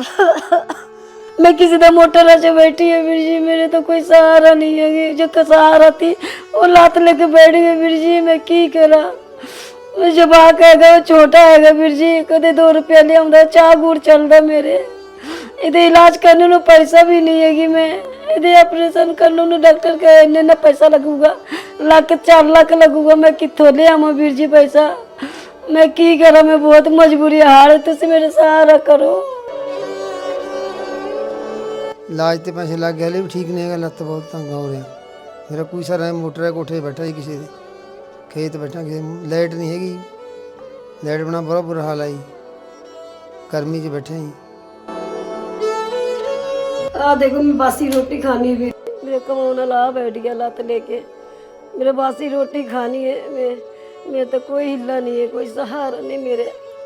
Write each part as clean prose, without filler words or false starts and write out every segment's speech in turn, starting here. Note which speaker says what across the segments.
Speaker 1: मैं किसी का मोटर से बैठी है वीर जी, मेरे तो कोई सहारा नहीं है। जो सहारा थी वो लात लेके बैठ गई वीर जी, मैं की करा। जवाक है वो छोटा है वीर जी, कदे 2 रुपया ले आंदा, चाह गुड़ चलता मेरे। इधे इलाज करने ਨੂੰ पैसा भी नहीं है कि मैं इधे ऑपरेशन करने ਨੂੰ डॉक्टर कहे इन्ना पैसा लगूगा, लाख 4 लाख लगूगा। मैं कितों ले आवां वीर जी पैसा, मैं की करा। मैं बहुत मजबूरी हाल, तुम मेरे सहारा करो।
Speaker 2: इलाज तो पैसे लग गए, हले भी ठीक नहीं है, लत्त बहुत तंग हो रहा। मेरा कोई सारा है, मोटर है, कोठे बैठा जी, किसी खेत बैठा, किसी लाइट नहीं हैगी, लाइट बना बड़ा बुरा हाल है जी, गर्मी च बैठे जी।
Speaker 1: आ देखो मैं बासी रोटी खानी भी, मेरे कमाने ला बैठ गया लत लेके। मेरे बासी रोटी खानी है, मेरे तो कोई हिला नहीं है, कोई सहारा नहीं मेरे।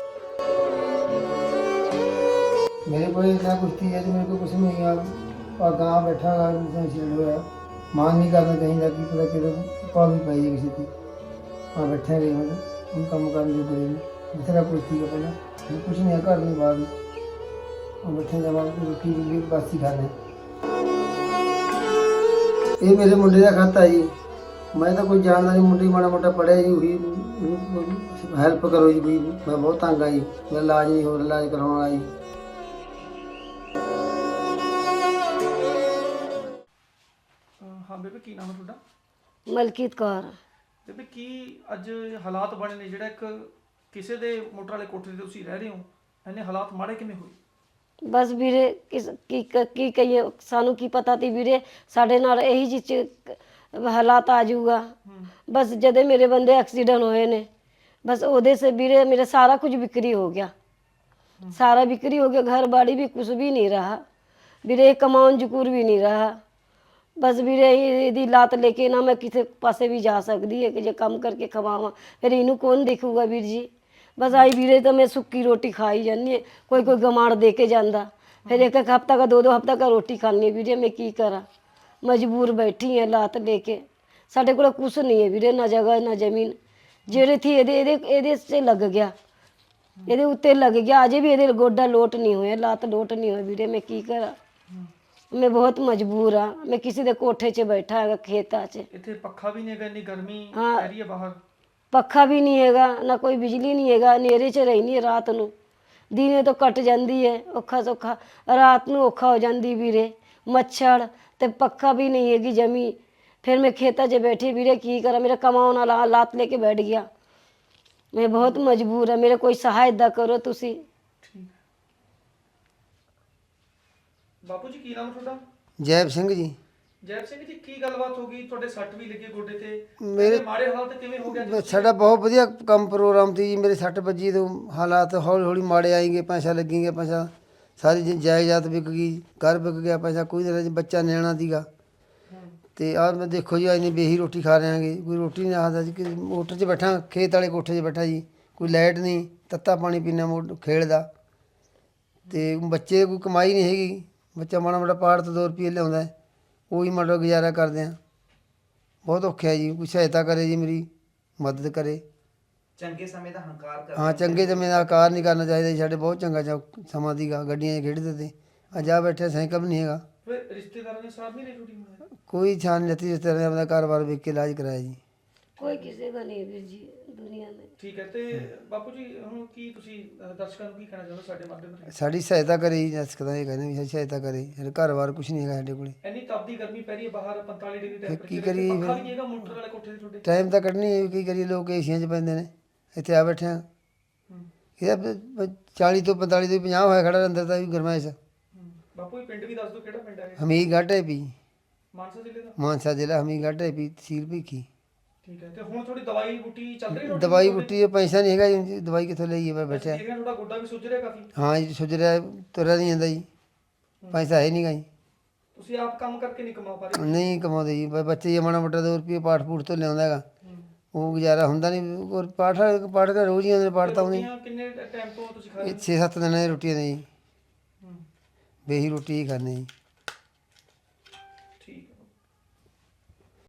Speaker 2: मेरे को इतना कुछ थी है, मेरे को कुछ नहीं है। और गाँव बैठा है, मान नहीं करना चाहिए कि पता कि पा भी पाई किसी की। वहाँ बैठे गए मतलब उन काम कर जो करेंगे दूसरा कुछ थी पहले कुछ नहीं है, घर नहीं बाहर में और बैठे जब रोटी भी बासी खाने। ये मेरे मुंडे का खाता है जी, मैं तो कोई जानता नहीं, मुंडी माड़ा मोटा पढ़े जी, वही हेल्प करो जी भाई, मैं बहुत तंग आई, मेरा इलाज नहीं हो रहा, इलाज करवाना जी।
Speaker 3: हाँ बेबे की नाम है ਤੁਹਾਡਾ?
Speaker 1: मलकीत कौर।
Speaker 3: ਬੇਬੇ ਕੀ ਅੱਜ ਹਾਲਾਤ ਬਣੇ ਨੇ ਜਿਹੜਾ ਇੱਕ ਕਿਸੇ ਦੇ ਮੋਟਰ ਵਾਲੇ ਕੋਠੇ ਤੇ ਤੁਸੀਂ ਰਹਿ ਰਹੇ ਹੋ, ਇਹਨੇ ਹਾਲਾਤ ਮਾੜੇ ਕਿਵੇਂ ਹੋਏ?
Speaker 1: बस वीरे की कहिए, सानू की पता थी वीरे साढ़े नाल यही जी हालात आ जाऊगा। बस जदे मेरे बंदे एक्सीडेंट होए ने, बस ओदे से वीरे मेरा सारा कुछ बिक्री हो गया, सारा बिक्री हो गया, घर बाड़ी भी कुछ भी नहीं रहा वीरे, कमाउन जकूर भी नहीं रहा। बस वीरे यदि लात लेके ना मैं किसी पासे भी जा सकती है कि जो काम करके खवावा, फिर इनू कौन देखूगा वीर जी। बस आई वीरे तो मैं सुक्की रोटी खाई जानी है, कोई कोई गमाड़ दे के जाता, फिर एक एक हफ्ता का 2 हफ्ता का रोटी खानी है वीरे, मैं की करा, मजबूर बैठी है लात लेके। साढ़े को कुछ नहीं है वीरे, ना जगह ना जमीन, जेड़े थी ये से लग गया, ये उत्ते लग गया, अजे भी ये गोडा लोट नहीं होया, लात लोट नहीं हुई वीरे, मैं की करा। मैं बहुत मजबूर हाँ, मैं किसी दे कोठे च बैठा है खेता च,
Speaker 3: ਇੱਥੇ ਪੱਖਾ ਵੀ ਨਹੀਂ ਹੈਗਾ, ਇੰਨੀ ਗਰਮੀ
Speaker 1: हाँ।
Speaker 3: ਪੈ ਰਹੀ ਹੈ ਬਾਹਰ।
Speaker 1: पखा भी नहीं हैगा, ना कोई बिजली नहीं हैगा, नेरे च रहनी है रात नू, दिने तो कट जाती है औखा सौखा, रात नू औखा हो जाती वीरे, मच्छर ते पखा भी नहीं हैगी जमी। फिर मैं खेता च बैठी वीरे की करा, मेरा कमाउन वाला लात लेके बैठ गया, मैं बहुत मजबूर है, मेरे कोई सहायता करो तुसी।
Speaker 3: ਠੀਕ ਹੈ ਬਾਪੂ ਜੀ, ਕੀ ਨਾਮ ਹੈ ਤੁਹਾਡਾ?
Speaker 2: जैब सिंह जी।
Speaker 3: ਜੈਬ ਸਿੰਘ ਜੀ, ਕੀ ਗੱਲਬਾਤ ਹੋ ਗਈ? ਤੁਹਾਡੇ ਸੱਟ ਵੀ ਲੱਗੀ ਗੋਡੇ ਤੇ,
Speaker 2: ਮੇਰੇ
Speaker 3: ਮਾੜੇ ਹਾਲਾਤ ਕਿਵੇਂ ਹੋ ਗਿਆ ਜੀ?
Speaker 2: ਸਾਡਾ ਬਹੁਤ ਵਧੀਆ ਕੰਮ ਪ੍ਰੋਗਰਾਮ ਸੀ ਜੀ, ਮੇਰੇ ਸੱਟ ਵੱਜੀ ਤੋਂ ਹਾਲਾਤ ਹੌਲੀ ਹੌਲੀ ਮਾੜੇ ਆਏਂਗੇ, ਪੈਸਾ ਲੱਗेंगे, ਪੈਸਾ ਸਾਰੀ ਜਾਇਦਾਦ ਵਿਕ ਗਈ, ਘਰ ਵਿਕ ਗਿਆ, ਪੈਸਾ ਕੋਈ ਨਹੀਂ, ਬੱਚਾ ਨਿਆਣਾ ਸੀਗਾ। ਤੇ ਆਹ ਮੈਂ ਦੇਖੋ ਜੀ ਇੰਨੀ ਬੇਹੀ ਰੋਟੀ ਖਾ ਰਹੇ ਹਾਂਗੇ, ਕੋਈ ਰੋਟੀ ਨਹੀਂ ਆਖਦਾ ਜੀ, ਕਿ ਮੋਟਰ 'ਚ ਬੈਠਾ, ਖੇਤ ਵਾਲੇ ਕੋਠੇ 'ਚ ਬੈਠਾ ਜੀ, ਕੋਈ ਲਾਈਟ ਨਹੀਂ, ਤੱਤਾ ਪਾਣੀ ਪੀਣਾ ਖੇਡ ਦਾ, ਅਤੇ ਬੱਚੇ ਕੋਈ ਕਮਾਈ ਨਹੀਂ ਹੈਗੀ, ਬੱਚਾ ਮਾੜਾ ਮਾੜਾ ਪਾੜ ਤੋਂ 2 ਰੁਪਏ ਲਿਆਉਂਦਾ, ਉਹੀ ਮਾੜਾ ਗੁਜ਼ਾਰਾ ਕਰਦੇ ਹਾਂ। ਬਹੁਤ ਔਖਾ ਹੈ ਜੀ, ਕੋਈ ਸਹਾਇਤਾ ਕਰੇ ਜੀ, ਮੇਰੀ ਮਦਦ ਕਰੇ।
Speaker 4: ਚੰਗੇ ਸਮੇਂ ਦਾ ਹੰਕਾਰ ਕਰ
Speaker 2: ਹਾਂ, ਚੰਗੇ ਸਮੇਂ ਦਾ ਹੰਕਾਰ ਨਹੀਂ ਕਰਨਾ ਚਾਹੀਦਾ ਜੀ, ਸਾਡੇ ਬਹੁਤ ਚੰਗਾ ਸਮਾਂ ਸੀਗਾ, ਗੱਡੀਆਂ 'ਚ ਖੇਡਦੇ ਤੇ, ਅੱਜ ਆ ਬੈਠੇ ਸਾਈਕਲ ਵੀ ਨਹੀਂ ਹੈਗਾ।
Speaker 3: ਫਿਰ ਰਿਸ਼ਤੇਦਾਰਾਂ ਨੇ ਸਾਥ ਨਹੀਂ ਲਈ ਤੁਹਾਡੀ?
Speaker 2: ਕੋਈ ਛਾਨ ਨਹੀਂ ਲੱਤੀ, ਰਿਸ਼ਤੇਦਾਰਾਂ ਨੇ ਆਪਣਾ ਕਾਰੋਬਾਰ ਵੇਖ ਕੇ ਇਲਾਜ ਕਰਾਇਆ ਜੀ।
Speaker 1: कोई किसी का नहीं वीर जी दुनिया में।
Speaker 3: ਠੀਕ ਹੈ, ਤੇ ਬਾਪੂ ਜੀ ਹੁਣ ਕੀ ਤੁਸੀਂ ਦਰਸ਼ਕਾਂ ਨੂੰ ਕੀ ਕਹਿਣਾ ਚਾਹੁੰਦੇ ਸਾਡੇ ਮਾਧਿਅਮ ਰਾਹੀਂ?
Speaker 2: ਸਾਡੀ ਸਹਾਇਤਾ ਕਰੇ ਜੀ, ਦਰਸ਼ਕਾਂ ਇਹ ਕਹਿੰਦੇ ਵੀ ਸਾਡੀ ਸਹਾਇਤਾ ਕਰੇ, ਸਾਡੇ ਘਰ-ਬਾਰ ਕੁਛ ਨਹੀਂ ਹੈਗਾ ਸਾਡੇ ਕੋਲ।
Speaker 3: ਇੰਨੀ ਤਪਦੀ ਗਰਮੀ ਪੈ ਰਹੀ ਹੈ ਬਾਹਰ, 45 ਡਿਗਰੀ
Speaker 2: ਕੀ
Speaker 3: ਟੈਂਪਰੇਚਰ,
Speaker 2: ਕਰੀਏ
Speaker 3: ਪੱਖਾ
Speaker 2: ਫਿਰ?
Speaker 3: ਵੀ ਨਹੀਂ ਹੈਗਾ ਮੋਟਰ ਵਾਲੇ ਕੋਠੇ ਤੇ ਤੁਹਾਡੇ?
Speaker 2: ਟਾਈਮ ਤਾਂ ਕੱਢਣੀ ਹੈ, ਕੀ ਕਰੀਏ, ਲੋਕ ਏਸੀਆਂ 'ਚ ਪੈਂਦੇ ਨੇ, ਇੱਥੇ ਆ ਬੈਠੇ ਹਾਂ। ਇਹਦਾ 40 ਤੋਂ 45 ਤੋਂ 50 ਹੋਇਆ ਖੜਾ ਅੰਦਰ ਤਾਂ ਵੀ ਗਰਮਾਇਸ਼।
Speaker 3: ਬਾਪੂ ਜੀ ਪਿੰਡ ਵੀ ਦੱਸ ਦਿਓ, ਕਿਹੜਾ ਪਿੰਡ ਹੈ ਇਹ?
Speaker 2: ਹਮੀਰਗੜ੍ਹ ਹੈ ਪੀ,
Speaker 3: ਮਾਨਸਾ ਜ਼ਿਲ੍ਹੇ ਦਾ?
Speaker 2: ਮਾਨਸਾ ਜ਼ਿਲ੍ਹਾ ਹਮੀਰਗੜ੍ਹ ਹੈ ਪੀ, ਤਹਿਸੀਲ ਭੀਖੀ।
Speaker 3: ਠੀਕ ਹੈ, ਤੇ ਹੁਣ ਥੋੜੀ ਦਵਾਈ ਬੂਟੀ ਚੱਲ ਰਹੀ ਹੈ?
Speaker 2: ਦਵਾਈ ਬੂਟੀ ਪੈਸਾ ਨਹੀਂ ਹੈਗਾ ਜੀ, ਦਵਾਈ ਕਿੱਥੋਂ ਲਈਏ, ਮੈਂ ਬੈਠਿਆ।
Speaker 3: ਦੇਖ ਰਿਹਾ ਤੁਹਾਡਾ ਗੋਡਾ ਵੀ ਸੁੱਜ ਰਿਹਾ ਕਾਫੀ।
Speaker 2: ਹਾਂ ਜੀ, ਸੁੱਜ ਰਿਹਾ, ਤੁਰਿਆ ਨਹੀਂ ਜਾਂਦਾ ਜੀ, ਪੈਸਾ ਹੈ ਨਹੀਂ ਗਾ ਜੀ।
Speaker 3: ਤੁਸੀਂ ਆਪ ਕੰਮ ਕਰਕੇ ਨਹੀਂ ਕਮਾ ਪਾ ਰਹੇ?
Speaker 2: ਨਹੀਂ ਕਮਾਉਂਦੇ ਜੀ, ਬੱਚੇ ਜੇ ਮਾੜਾ ਮੋਟਾ 2 ਰੁਪਏ ਪਾਠ ਪੂਠ ਤੋਂ ਲਿਆਉਂਦਾ ਹੈਗਾ, ਉਹ ਗੁਜ਼ਾਰਾ ਹੁੰਦਾ ਨਹੀਂ। ਔਰ ਪਾਠ ਤਾਂ ਰੋਜ਼ ਹੀ ਆਉਂਦੇ ਨੇ, ਪਾਠ ਤਾਂ ਆਉਂਦੇ
Speaker 3: ਰੋਟੀਆਂ ਕਿੰਨੇ ਟਾਈਮ ਤੋਂ ਤੁਸੀਂ ਖਾ ਰਹੇ ਹੋ?
Speaker 2: 6-7 ਦਿਨਾਂ ਦੀ ਰੋਟੀਆਂ ਨੇ ਜੀ, ਬੇਹੀ ਰੋਟੀ ਹੀ ਖਾਂਦੇ ਜੀ।